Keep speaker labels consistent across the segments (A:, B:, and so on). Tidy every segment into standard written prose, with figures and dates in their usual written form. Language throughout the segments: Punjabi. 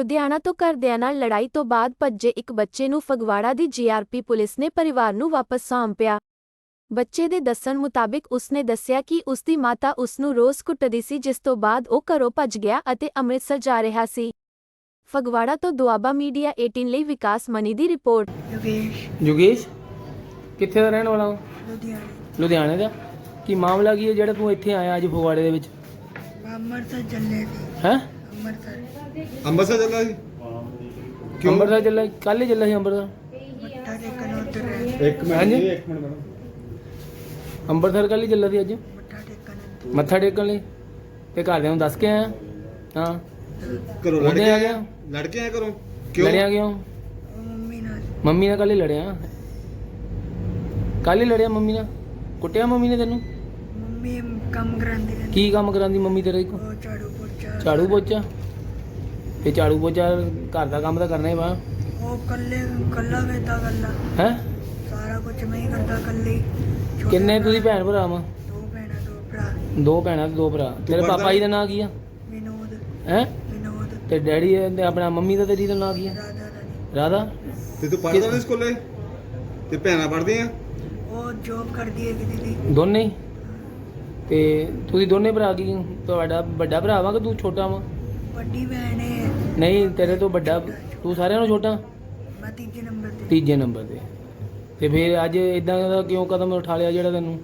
A: ਲੁਧਿਆਣਾ ਤੋਂ ਘਰਦਿਆਂ ਨਾਲ ਲੜਾਈ ਤੋਂ ਬਾਅਦ ਭੱਜੇ ਇੱਕ ਬੱਚੇ ਨੂੰ ਫਗਵਾੜਾ ਦੀ ਜੀਆਰਪੀ ਪੁਲਿਸ ਨੇ ਪਰਿਵਾਰ ਨੂੰ ਵਾਪਸ ਸੌਂਪਿਆ। ਬੱਚੇ ਦੇ ਦੱਸਣ ਮੁਤਾਬਿਕ ਉਸਨੇ ਦੱਸਿਆ ਕਿ ਉਸਦੀ ਮਾਤਾ ਉਸ ਨੂੰ ਰੋਜ਼ ਕੁੱਟਦੀ ਸੀ, ਜਿਸ ਤੋਂ ਬਾਅਦ ਉਹ ਘਰੋਂ ਭੱਜ ਗਿਆ ਅਤੇ ਅੰਮ੍ਰਿਤਸਰ ਜਾ ਰਿਹਾ ਸੀ। ਫਗਵਾੜਾ ਤੋਂ ਦੁਆਬਾ ਮੀਡੀਆ 18 ਲਈ ਵਿਕਾਸ ਮਨੀ ਦੀ ਰਿਪੋਰਟ।
B: ਯੋਗੇਸ਼ ਕਿੱਥੇ ਦਾ ਰਹਿਣ ਵਾਲਾ? ਲੁਧਿਆਣੇ ਦਾ। ਕੀ ਮਾਮਲਾ ਕੀ ਹੈ ਜਿਹੜਾ ਤੂੰ ਇੱਥੇ ਆਇਆ ਅੱਜ ਫਗਵਾੜੇ ਦੇ ਵਿੱਚ?
C: ਅੰਮ੍ਰਿਤਸਰ ਚੱਲੇ ਸੀ।
B: ਹੈ
D: ਅੰਮ੍ਰਿਤਸਰ ਚੱਲਾ ਸੀ?
B: ਅੰਮ੍ਰਿਤਸਰ ਚੱਲਾ? ਕੱਲ ਹੀ ਚੱਲਾ ਸੀ ਅੰਮ੍ਰਿਤਸਰ?
C: ਮੱਥਾ ਟੇਕਣ ਉੱਧਰ
D: ਇੱਕ ਮਿੰਟ
B: ਹਾਂਜੀ?
D: ਜੀ, ਇੱਕ ਮਿੰਟ ਮੈਡਮ।
B: ਅੰਮ੍ਰਿਤਸਰ ਕੱਲ ਹੀ ਚੱਲਾ ਸੀ ਅੱਜ
C: ਮੱਥਾ ਟੇਕਣ
B: ਮੱਥਾ ਟੇਕਣ ਲਈ? ਤੇ ਘਰਦਿਆਂ ਨੂੰ ਦੱਸ ਕੇ ਆਇਆ? ਹਾਂ।
D: ਘਰੋਂ ਲੜ
B: ਉਹਦੇ
D: ਕੇ
B: ਆ
D: ਆਇਆ?
B: ਗਿਆ?
D: ਲੜ ਕੇ ਆਇਆ ਘਰੋਂ? ਕਿਉਂ
B: ਲੜਿਆ ਕਿਉਂ?
C: ਮੰਮੀ ਨਾਲ
B: ਮੰਮੀ ਨਾਲ ਕੱਲ ਹੀ ਲੜਿਆ? ਕੱਲ ਹੀ ਲੜਿਆ ਮੰਮੀ ਨਾਲ? ਕੁੱਟਿਆ ਮੰਮੀ ਨੇ ਤੈਨੂੰ?
C: ਮੰਮੀ ਕੰਮ ਕਰਾਂਦੀ ਰਹਿੰਦੀ।
B: ਕੀ ਕੰਮ ਕਰਾਂਦੀ ਮੰਮੀ ਤੇਰੇ ਕੋਲ?
C: ਉਹ ਝਾੜੂ ਪੋਚਾ
B: ਝਾੜੂ ਪੋਚਾ? ਤੇ ਝਾੜੂ ਪੋਚਾ ਘਰ ਦਾ ਕੰਮ ਤਾਂ ਕਰਨਾ ਹੀ ਵਾ।
C: ਉਹ ਕੱਲਾ ਵੇਦਾ ਕੱਲਾ
B: ਹੈ
C: ਸਾਰਾ ਕੁਝ ਮੈਂ ਹੀ ਕਰਦਾ ਕੱਲੇ।
B: ਕਿੰਨੇ ਤੁਸੀਂ ਭੈਣ ਭਰਾ ਵਾ?
C: ਦੋ ਭੈਣਾਂ ਦੋ ਭਰਾ।
B: ਦੋ ਭੈਣਾਂ ਤੇ ਦੋ ਭਰਾ। ਤੇਰੇ
D: ਪੜ੍ਹਦਾ
B: ਪਾਪਾ ਜੀ ਦਾ ਨਾਂ ਕੀ ਆ?
C: ਵਿਨੋਦ
B: ਹੈ
C: ਵਿਨੋਦ
B: ਤੇ ਡੈਡੀ ਤੇ ਆਪਣਾ ਮੰਮੀ ਦਾ ਤੇਰੀ ਦਾ ਨਾਂ ਕੀ ਆ?
C: ਰਾਧਾ ਰਾਣੀ।
B: ਰਾਧਾ।
D: ਤੇ ਤੂੰ ਪੜ੍ਹਦਾ ਨਹੀਂ ਸਕੂਲੇ? ਤੇ ਭੈਣਾਂ ਪੜ੍ਹਦੀਆਂ?
C: ਉਹ ਜੋਬ ਕਰਦੀ ਹੈ ਦੀਦੀ।
B: ਦੋਨੇ ਹੀ? ਤੇ ਤੁਸੀਂ ਦੋਨੇ ਭਰਾ ਕੀ? ਤੁਹਾਡਾ ਵੱਡਾ ਭਰਾ ਵਾ ਕਿ ਤੂੰ ਛੋਟਾ ਵਾ?
C: ਵੱਡੀ ਭੈਣ ਹੈ।
B: ਨਹੀਂ ਤੇਰੇ ਤੋਂ ਵੱਡਾ ਤੂੰ ਸਾਰਿਆਂ ਨਾਲੋਂ ਛੋਟਾ?
C: ਮੈਂ ਤੀਜੇ ਨੰਬਰ ਤੇ।
B: ਤੀਜੇ ਨੰਬਰ ਤੇ। ਤੇ ਫਿਰ ਅੱਜ ਇਦਾਂ ਦਾ ਕਿਉਂ ਕਦਮ ਉਠਾ ਲਿਆ ਜਿਹੜਾ ਤੈਨੂੰ?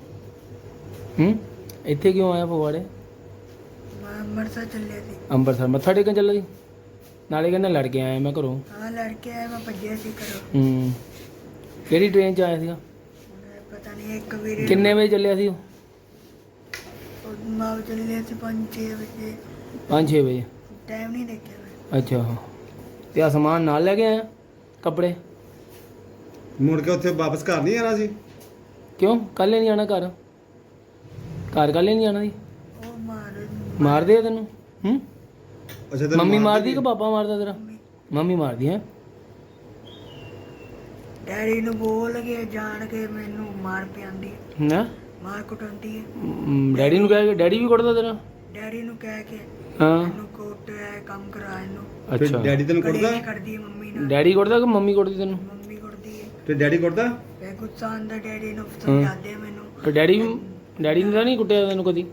B: ਇੱਥੇ ਕਿਉਂ ਆਇਆ ਫਗਵਾੜੇ?
C: ਮੈਂ ਅੰਮ੍ਰਿਤਸਰ ਚੱਲੇ ਸੀ।
B: ਅੰਮ੍ਰਿਤਸਰ ਮੱਥਾ ਟੇਕਣ ਚੱਲਾ ਸੀ? ਨਾਲੇ ਕਹਿੰਦਾ ਲੜ ਕੇ ਆਇਆ ਮੈਂ ਘਰੋਂ।
C: ਹਾਂ ਲੜ ਕੇ ਆਇਆ, ਮੈਂ ਭੱਜਿਆ ਸੀ ਘਰੋਂ।
B: ਕਿਹੜੀ ਟ੍ਰੇਨ 'ਚ ਆਇਆ ਸੀਗਾ?
C: ਪਤਾ ਨਹੀਂ ਇੱਕ ਵੀਰੇ
B: ਕਿੰਨੇ ਵਜੇ ਚੱਲਿਆ ਸੀ ਉਹ?
C: ਮਾਂ ਚੱਲੇ ਸੀ 5-6 ਵਜੇ।
B: 5-6 ਵਜੇ?
C: ਟਾਈਮ ਨਹੀਂ ਦੇਖਿਆ ਮੈਂ।
B: ਅੱਛਾ। ਤੇ ਆ ਸਮਾਨ ਨਾਲ ਲੈ ਕੇ ਆਇਆ? ਕੱਪੜੇ?
D: ਮੁੜ ਕੇ ਉੱਥੇ ਵਾਪਸ ਘਰ ਨਹੀਂ ਆਣਾ ਸੀ?
B: ਕਿਉਂ ਕੱਲ੍ਹ ਨਹੀਂ ਆਣਾ ਘਰ? ਘਰ ਕੱਲ੍ਹ ਨਹੀਂ ਆਣਾ ਸੀ?
C: ਉਹ
B: ਮਾਰਦੇ ਆ ਤੈਨੂੰ?
D: ਅੱਛਾ ਤੈਨੂੰ
B: ਮੰਮੀ
D: ਮਾਰਦੀ
B: ਮਾਰਦੀ ਕਿ ਪਾਪਾ ਮਾਰਦਾ ਤੇਰਾ? ਮੰਮੀ ਮਾਰਦੀ ਹੈ?
C: ਡੈਡੀ ਨੂੰ ਬੋਲ ਕੇ ਜਾਣ ਕੇ ਮੈਨੂੰ ਮਾਰ ਪਿਆਉਂਦੀ ਹੈ,
B: ਨਾ
C: ਮਾਰ ਕੁਟਾਉਂਦੀ ਹੈ।
B: ਡੈਡੀ ਨੂੰ ਕਹਿ ਕੇ? ਡੈਡੀ ਵੀ ਕੁੱਟਦਾ ਤੇਰਾ?
C: ਡੈਡੀ ਨੂੰ ਕਹਿ ਕੇ
B: ਹਾਂ।
C: ਇਹਨੂੰ ਕੋਟ ਹੈ ਕੰਮ ਕਰਾ ਇਹਨੂੰ।
D: ਫਿਰ
B: ਅੱਛਾ।
D: ਡੈਡੀ ਤੈਨੂੰ ਕੁੱਟਦਾ?
C: ਕਲੇਸ਼ ਕਰਦੀ ਹੈ ਮੰਮੀ ਨਾਲ।
B: ਡੈਡੀ ਕੁੱਟਦਾ ਕਿ ਮੰਮੀ ਕੁੱਟਦੀ ਤੈਨੂੰ?
C: ਮੰਮੀ ਕੁੱਟਦੀ ਹੈ।
D: ਤੇ ਡੈਡੀ ਕੁੱਟਦਾ?
C: ਫੇ ਗੁੱਸਾ ਆਉਂਦਾ ਡੈਡੀ ਨੂੰ, ਸਮਝਾਉਂਦੇ ਮੈਨੂੰ।
B: ਤੇ ਡੈਡੀ ਨੇ ਤਾਂ ਨਹੀਂ ਕੁੱਟਿਆ ਤੈਨੂੰ ਕਦੀ?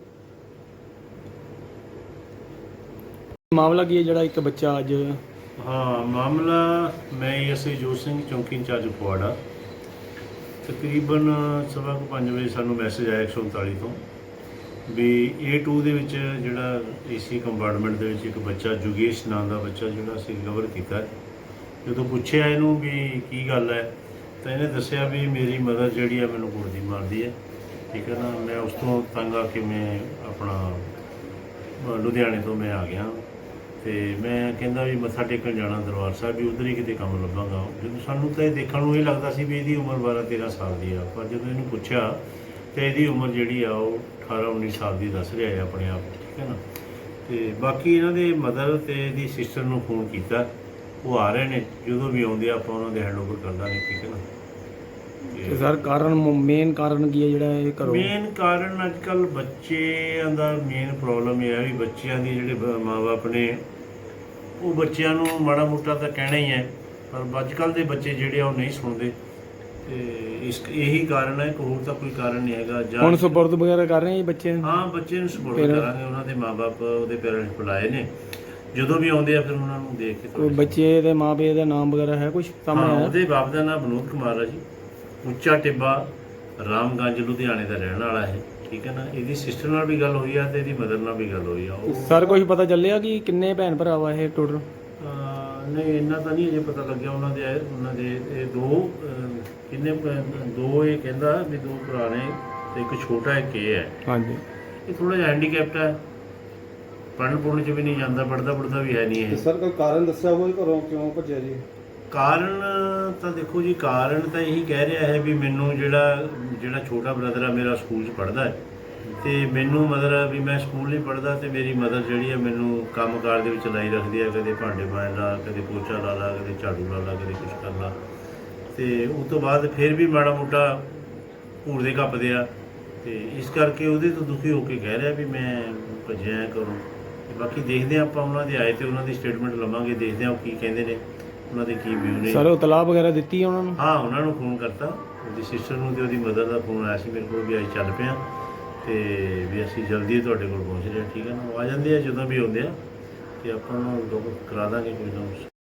B: ਮਾਮਲਾ ਕੀ ਹੈ ਜਿਹੜਾ ਇੱਕ ਬੱਚਾ ਅੱਜ?
E: ਹਾਂ ਮਾਮਲਾ, ਮੈਂ ਐਸਆਈ ਜੋਤ ਸਿੰਘ ਚੌਂਕੀ ਇੰਚਾਰਜ ਫਗਵਾੜਾ। ਤਕਰੀਬਨ 5:15 ਵਜੇ ਸਾਨੂੰ ਮੈਸੇਜ ਆਇਆ 139 ਤੋਂ ਵੀ A2 ਦੇ ਵਿੱਚ ਜਿਹੜਾ ਏਸੀ ਕੰਪਾਰਟਮੈਂਟ ਦੇ ਵਿੱਚ ਇੱਕ ਬੱਚਾ ਯੋਗੇਸ਼ ਨਾਂ ਦਾ ਬੱਚਾ ਜਿਹੜਾ ਅਸੀਂ ਰਿਕਵਰ ਕੀਤਾ। ਜਦੋਂ ਪੁੱਛਿਆ ਇਹਨੂੰ ਵੀ ਕੀ ਗੱਲ ਹੈ ਤਾਂ ਇਹਨੇ ਦੱਸਿਆ ਵੀ ਮੇਰੀ ਮਦਰ ਜਿਹੜੀ ਆ ਮੈਨੂੰ ਕੁੱਟਦੀ ਮਾਰਦੀ ਹੈ। ਠੀਕ ਹੈ ਨਾ। ਮੈਂ ਉਸ ਤੋਂ ਤੰਗ ਆ ਕੇ ਮੈਂ ਆਪਣਾ ਲੁਧਿਆਣੇ ਤੋਂ ਮੈਂ ਆ ਗਿਆ ਤੇ ਮੈਂ ਕਹਿੰਦਾ ਵੀ ਮੱਥਾ ਟੇਕਣ ਜਾਣਾ ਦਰਬਾਰ ਸਾਹਿਬ, ਵੀ ਉੱਧਰ ਹੀ ਕਿਤੇ ਕੰਮ ਲੱਭਾਂਗਾ। ਜਦੋਂ ਸਾਨੂੰ ਤਾਂ ਇਹ ਦੇਖਣ ਨੂੰ ਇਹ ਲੱਗਦਾ ਸੀ ਵੀ ਇਹਦੀ ਉਮਰ 12-13 ਸਾਲ ਦੀ ਆ, ਪਰ ਜਦੋਂ ਇਹਨੂੰ ਪੁੱਛਿਆ ਤਾਂ ਇਹਦੀ ਉਮਰ ਜਿਹੜੀ ਆ ਉਹ 18-19 ਸਾਲ ਦੀ ਦੱਸ ਰਿਹਾ ਹੈ ਆਪਣੇ ਆਪ। ਠੀਕ ਹੈ ਨਾ। ਤੇ ਬਾਕੀ ਇਹਨਾਂ ਦੇ ਮਦਰ ਤੇ ਇਹਦੀ ਸਿਸਟਰ ਨੂੰ ਫੋਨ ਕੀਤਾ, ਉਹ ਆ ਰਹੇ ਨੇ। ਜਦੋਂ ਵੀ ਆਉਂਦੇ ਆਪਾਂ ਉਹਨਾਂ ਦੇ ਹੈਂਡਓਵਰ ਕਰ ਦਾਂਗੇ। ਠੀਕ ਹੈ ਨਾ।
B: ਤੇ ਸਰ ਕਾਰਨ ਮੇਨ ਕਾਰਨ ਕੀ ਹੈ ਜਿਹੜਾ ਇਹ ਕਰੋ?
E: ਮੇਨ ਕਾਰਨ ਅੱਜ ਕੱਲ੍ਹ ਬੱਚਿਆਂ ਦਾ ਮੇਨ ਪ੍ਰੋਬਲਮ ਇਹ ਹੈ ਵੀ ਬੱਚਿਆਂ ਦੀ ਜਿਹੜੇ ਮਾਂ-ਬਾਪ ਨੇ ਉਹ ਬੱਚਿਆਂ ਨੂੰ ਮਾੜਾ ਮੋਟਾ ਤਾਂ ਕਹਿਣਾ ਹੀ ਹੈ, ਪਰ ਅੱਜ ਕੱਲ੍ਹ ਦੇ ਬੱਚੇ ਜਿਹੜੇ ਆ ਉਹ ਨਹੀਂ ਸੁਣਦੇ। ਤੇ ਇਹੀ ਕਾਰਨ ਹੈ, ਹੋਰ ਤਾਂ ਕੋਈ ਕਾਰਨ ਨਹੀਂ ਹੈਗਾ।
B: ਹੁਣ ਸਪੁਰਦ ਵਗੈਰਾ ਕਰ ਰਹੇ ਜੀ ਬੱਚੇ?
E: ਹਾਂ ਬੱਚੇ ਨੂੰ ਸਪੋਰਟ ਕਰਾਂਗੇ। ਉਹਨਾਂ ਦੇ ਮਾਂ-ਬਾਪ ਉਹਦੇ ਪੇਰੈਂਟਸ ਬੁਲਾਏ ਨੇ, ਜਦੋਂ ਵੀ ਆਉਂਦੇ ਆ ਫਿਰ ਉਹਨਾਂ ਨੂੰ ਦੇਖ ਕੇ
B: ਕੋਈ ਬੱਚੇ ਦੇ ਮਾਂ-ਪਿਓ ਦਾ ਨਾਮ ਵਗੈਰਾ ਹੈ ਕੁਝ ਸਾਹਮਣੇ ਆਇਆ?
E: ਉਹਦੇ ਬਾਪ ਦਾ ਨਾਮ ਵਿਨੋਦ ਕੁਮਾਰ ਹੈ ਜੀ, ਉੱਚਾ ਟਿੱਬਾ, ਰਾਮਗੰਜ, ਲੁਧਿਆਣੇ ਦਾ ਰਹਿਣ ਵਾਲਾ ਹੈ। ਠੀਕ ਹੈ ਨਾ। ਇਹਦੀ ਸਿਸਟਰ ਨਾਲ ਵੀ ਗੱਲ ਹੋਈ ਆ ਤੇ ਇਹਦੀ ਮਦਰ ਨਾਲ ਵੀ ਗੱਲ ਹੋਈ ਆ। ਉਹ
B: ਸਰ ਕੁਝ ਪਤਾ ਚੱਲਿਆ ਕਿ ਕਿੰਨੇ ਭੈਣ ਭਰਾ ਵਾ ਇਹ ਟੋਟਲ?
E: ਨਹੀਂ ਇੰਨਾ ਤਾਂ ਨਹੀਂ ਅਜੇ ਪਤਾ ਲੱਗਿਆ। ਉਹਨਾਂ ਦੇ ਇਹ ਦੋ ਇਹ ਕਹਿੰਦਾ ਵੀ 2 ਭਰਾ ਨੇ ਤੇ ਇੱਕ ਛੋਟਾ ਇੱਕ ਇਹ ਹੈ।
B: ਹਾਂਜੀ।
E: ਇਹ ਥੋੜਾ ਜਿਹਾ ਹੈਂਡੀਕੈਪਟ ਹੈ, ਪੜ੍ਹਨ 'ਚ ਵੀ ਨਹੀਂ ਜਾਂਦਾ, ਪੜ੍ਹਦਾ ਵੀ ਹੈ ਨਹੀਂ ਇਹ।
D: ਸਰ ਕੋਈ ਕਾਰਨ ਦੱਸਿਆ ਹੋਵੇ ਘਰੋਂ ਕਿਉਂ ਭੱਜਿਆ ਜੀ?
E: ਕਾਰਨ ਤਾਂ ਦੇਖੋ ਜੀ, ਕਾਰਨ ਤਾਂ ਇਹੀ ਕਹਿ ਰਿਹਾ ਹੈ ਵੀ ਮੈਨੂੰ ਜਿਹੜਾ ਛੋਟਾ ਬ੍ਰਦਰ ਆ ਮੇਰਾ ਸਕੂਲ 'ਚ ਪੜ੍ਹਦਾ ਹੈ ਤੇ ਮੈਨੂੰ ਮਦਰ ਆ ਵੀ ਮੈਂ ਸਕੂਲ ਨਹੀਂ ਪੜ੍ਹਦਾ ਤੇ ਮੇਰੀ ਮਦਰ ਜਿਹੜੀ ਹੈ ਮੈਨੂੰ ਕੰਮਕਾਰ ਦੇ ਵਿੱਚ ਲਾਈ ਰੱਖਦੀ ਹੈ। ਕਦੇ ਭਾਂਡੇ ਮਾਂਜ ਲਾ, ਕਦੇ ਪੋਚਾ ਲਾ ਲਾ, ਕਦੇ ਝਾੜੂ ਲਾ ਲਾ, ਕਦੇ ਕੁਛ ਕਰ ਲਾ। ਤੇ ਉਸ ਤੋਂ ਬਾਅਦ ਫਿਰ ਵੀ ਮਾੜਾ ਮੋਟਾ ਘੂਰਦੇ ਕੱਪਦੇ ਆ ਤੇ ਇਸ ਕਰਕੇ ਉਹਦੇ ਤੋਂ ਦੁਖੀ ਹੋ ਕੇ ਕਹਿ ਰਿਹਾ ਵੀ ਮੈਂ ਭੱਜਿਆ ਕਰੂੰ। ਤੇ ਬਾਕੀ ਦੇਖਦੇ ਹਾਂ ਆਪਾਂ, ਉਹਨਾਂ ਦੇ ਆਏ ਤੇ ਉਹਨਾਂ ਦੀ ਸਟੇਟਮੈਂਟ ਲਵਾਂਗੇ, ਦੇਖਦੇ ਹਾਂ ਉਹ ਕੀ ਕਹਿੰਦੇ ਨੇ, ਉਹਨਾਂ ਦੇ ਕੀ ਵਿਊ ਨੇ।
B: ਸਰ ਉਹ ਤਲਾਬ ਵਗੈਰਾ ਦਿੱਤੀ ਹੈ ਉਹਨਾਂ ਨੂੰ?
E: ਹਾਂ, ਉਹਨਾਂ ਨੂੰ ਫੋਨ ਕਰਤਾ, ਉਹਦੀ ਸਿਸਟਰ ਨੂੰ ਤੇ ਉਹਦੀ ਮਦਰ ਦਾ ਫੋਨ ਆਇਆ ਸੀ ਮੇਰੇ ਕੋਲ ਵੀ ਅਸੀਂ ਚੱਲ ਪਏ ਹਾਂ ਤੇ ਵੀ ਅਸੀਂ ਜਲਦੀ ਤੁਹਾਡੇ ਕੋਲ ਪਹੁੰਚ ਰਹੇ ਹਾਂ। ਠੀਕ ਹੈ ਨਾ, ਉਹ ਆ ਜਾਂਦੇ ਆ ਜਦੋਂ ਵੀ ਆਉਂਦੇ ਆ ਤੇ ਆਪਾਂ ਨੂੰ ਲੋਕ ਕਰਾ ਦਾਂਗੇ ਕੋਈ ਨਾ ਕੁਛ।